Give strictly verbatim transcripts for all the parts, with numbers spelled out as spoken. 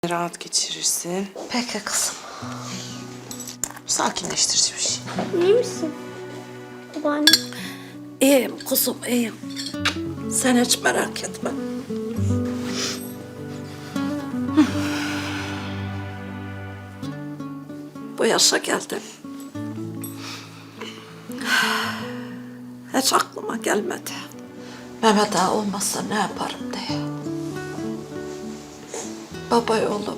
Rahat geçirirsin. Peki kızım. Sakinleştirici bir şey. İyi misin? Babaanne. İyiyim kuzum, iyiyim. Sen hiç merak etme. Bu yaşa geldim. Hiç aklıma gelmedi. Mehmet Ağa olmazsa ne yaparım diye. Babay oğlum.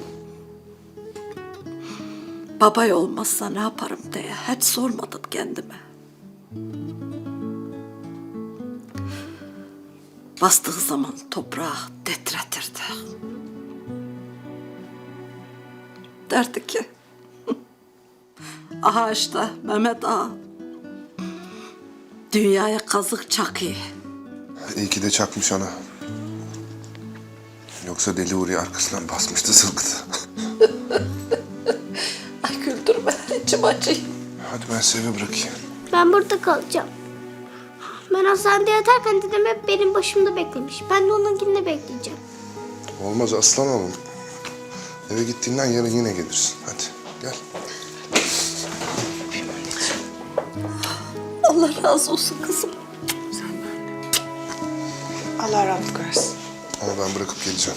Babay olmazsa ne yaparım diye hiç sormadım kendime. Bastığı zaman toprağı titretirdi. Derdi ki, aha işte Mehmet Ağa dünyaya kazık çakıyor. İyi ki de çakmış ana. Yoksa Deli Uğur'u arkasından basmıştı zılgıtı. Ay güldürme, içim acıyor. Hadi ben sizi eve bırakayım. Ben burada kalacağım. Ben hastanede yatarken dedem hep benim başımda beklemiş. Ben de onunkini bekleyeceğim. Olmaz aslan oğlum. Eve gittiğinden yarın yine gelirsin. Hadi gel. Allah razı olsun kızım. Allah rahatlık versin. Ama ben bırakıp geleceğim.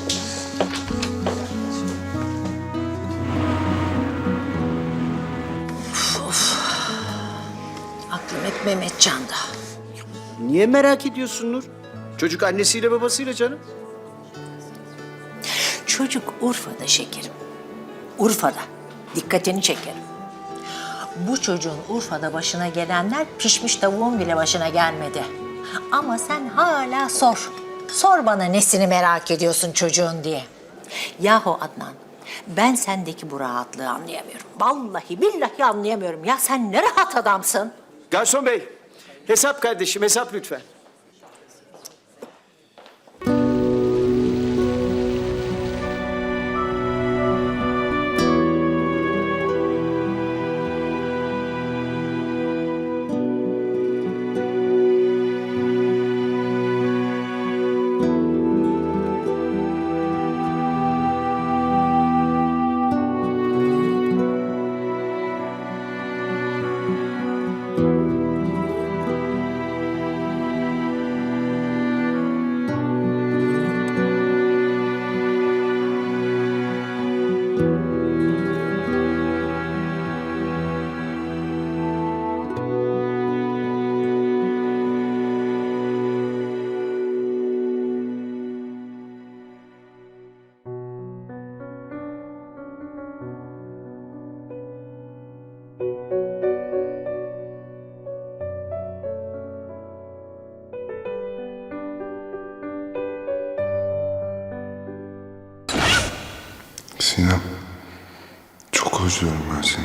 Aklım hep Mehmetcan'da. Niye merak ediyorsun Nur? Çocuk annesiyle babasıyla canım. Çocuk Urfa'da şekerim. Urfa'da. Dikkatini çekerim. Bu çocuğun Urfa'da başına gelenler pişmiş tavuğun bile başına gelmedi. Ama sen hala sor. Sor bana nesini merak ediyorsun çocuğun diye. Yahu Adnan, ben sendeki bu rahatlığı anlayamıyorum. Vallahi billahi anlayamıyorum. Ya sen ne rahat adamsın. Garson bey, hesap kardeşim, hesap lütfen. Sinem, çok özlüyorum ben seni.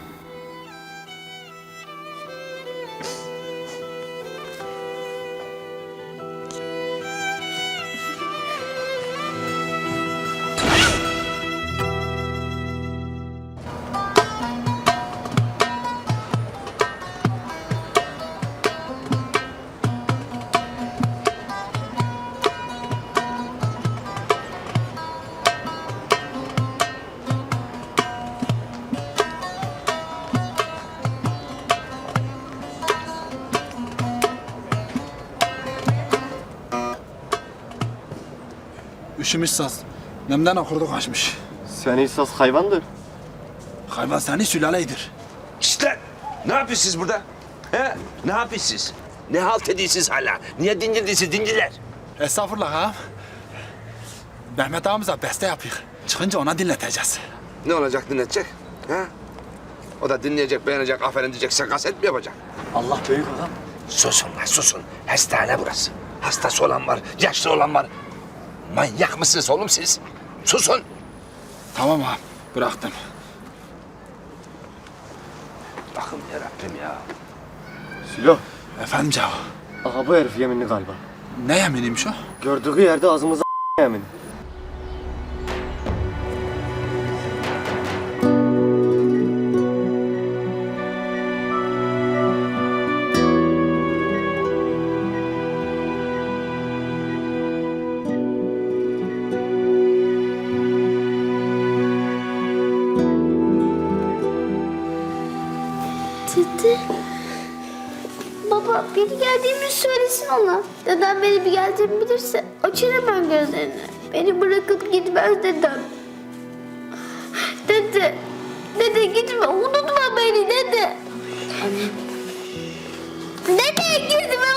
Üşümüş saz. Nemden okurdu kaçmış. Sen esas hayvandır. Hayvan seni sülaleydir. İşte ne yapıyorsunuz burada? He? Ne yapıyorsunuz? Ne halt ediyorsunuz hala? Niye dingildiysiniz dingiler? Estağfurullah ağam. Mehmet ağamıza beste yapıyor. Çıkınca ona dinleteceğiz. Ne olacak dinletecek? Ha? O da dinleyecek, beğenecek, aferin diyecek, sen kaset mi yapacak? Allah büyük adam. Susun lan susun. Hastane burası. Hastası olan var, yaşlı olan var. Manyak mısınız oğlum siz? Susun. Tamam ağam. Bıraktım. Bakın yarabbim ya. Silo. Efendim Cavo. Aha bu herif yeminli galiba. Ne yeminiymiş o? Gördüğü yerde ağzımıza yemin. Dede. Baba biri geldiğimi söylesin ona. Dedem beni bir geldiğimi bilirse açar hemen gözlerini. Beni bırakıp gitmez dedem. Dede. Dede gitme. Unutma beni dede. Anne. Dede gitme.